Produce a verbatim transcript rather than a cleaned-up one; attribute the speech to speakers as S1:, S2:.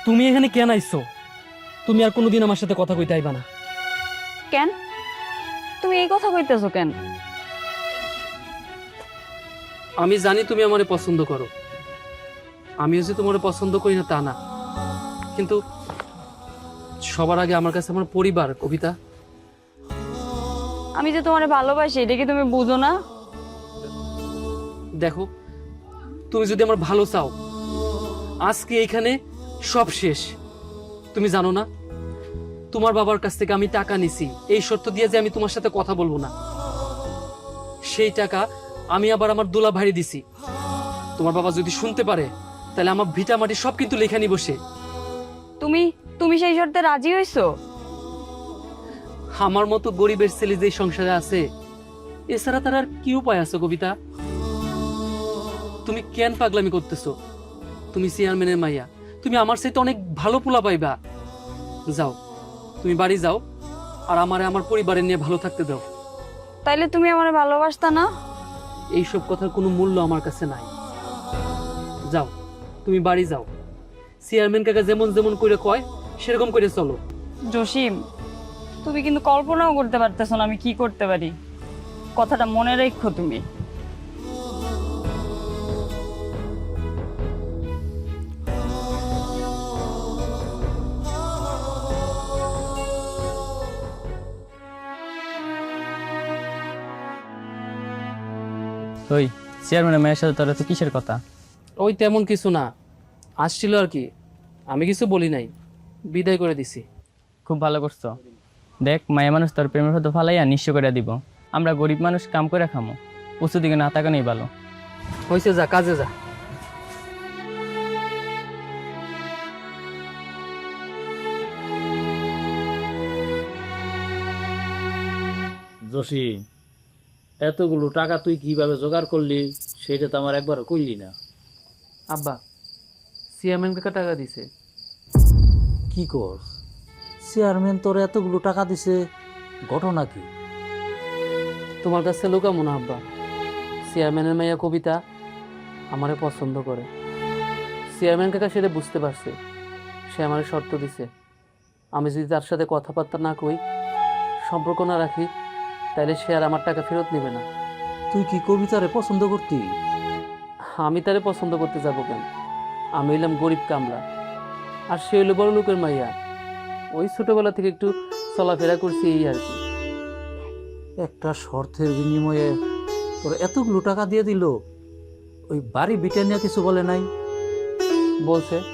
S1: তুমি এখানে কেন আইছো? তুমি আর কোনোদিন আমার সাথে কথা কইতে আইবা না।
S2: কেন তুমি এই কথা কইতেছো কেন?
S1: আমি জানি তুমি আমারে পছন্দ করো, আমিও যে তোমারে পছন্দ করি না তা না, কিন্তু সবার আগে আমার কাছে আমার পরিবার কবিতা।
S2: আমি যে তোমারে ভালোবাসি এটা কি তুমি বুঝো না?
S1: দেখো, তুমি যদি আমার ভালো চাও, আজকে এইখানে সব শেষ। তুমি জানো না, তোমার বাবার কাছ থেকে আমি টাকা নিছি এই শর্ত দিয়ে যে আমি তোমার সাথে কথা বলবো না। সেই টাকা আমি আবার আমার দোলা ভাই দিছি। তোমার বাবা যদি শুনতে পারে তাহলে আমার ভিটা মাটি সব কিন্তু লেখানি বসে।
S2: তুমি তুমি সেই শর্তে রাজি হইছো?
S1: আমার মতো গরিবের ছেলে যে সংসারে আছে, এছাড়া তার আর কি উপায় আছে কবিতা? তুমি কেন পাগলামি করতেছো? তুমি চেয়ারম্যানের মাইয়া, তুমি আমার সাথে অনেক ভালো পোলা পাইবা। যাও, তুমি বাড়ি যাও, আর আমারে আমার পরিবারের নিয়ে ভালো থাকতে দাও।
S2: তাইলে তুমি আমারে ভালোবাসতা না?
S1: এইসব কথার কোনো মূল্য আমার কাছে নাই। যাও, তুমি বাড়ি যাও। চেয়ারম্যান কাকা যেমন যেমন করে কয় সেরকম করে চলো।
S2: জসিম, তুমি কিন্তু কল্পনাও করতে পারতেছো না আমি কি করতে পারি। কথাটা মনে রেখো তুমি।
S3: ওই চেয়ারম্যানের মেয়ের সাথে তোর তো কিসের কথা?
S1: ওই তেমন কিছু না, আসছিল আর কি। আমি কিছু বলি নাই, বিদায় করে দিছি।
S3: খুব ভালো করছো। দেখ, মায়া মানুষ তোর প্রেমের হতো ফালাইয়া নিঃস্ব করে দিব। আমরা গরিব মানুষ কাম করে খামো, উঁচু দিকে না তাকানোই ভালো।
S1: হয়েছে, যা কাজে যা।
S4: জসিম, এতগুলো টাকা তুই কিভাবে জোগাড় করলি সেটা তো আমার একবারও কইলি না।
S1: আব্বা, চেয়ারম্যান কাকা টাকা দিছে।
S4: কি কর, চেয়ারম্যান তোর এতগুলো টাকা দিছে, ঘটনা কি?
S1: তোমার কাছে লুকামো না আব্বা, চেয়ারম্যানের মেয়ে কবিতা আমারে পছন্দ করে। চেয়ারম্যান কাকা সেটা বুঝতে পারছে, সে আমারে শর্ত দিছে, আমি যদি তার সাথে কথাবার্তা না কই, সম্পর্ক না রাখি, তাহলে সে আর আমার টাকা ফেরত নেবে না।
S4: তুই কি কবিতারে পছন্দ করতি?
S1: আমি তারে পছন্দ করতে যাবো কেন? আমি হইলাম গরিব কামলা, আর সে হইলো বড় লোকের মাইয়া। ওই ছোটবেলা থেকে একটু চলাফেরা করছি, এই আর কি।
S4: একটা শর্তের বিনিময়ে তোর এতগুলো টাকা দিয়ে দিল, ওই বাড়ি বিটা নিয়ে কিছু বলে নাই?
S1: বলছে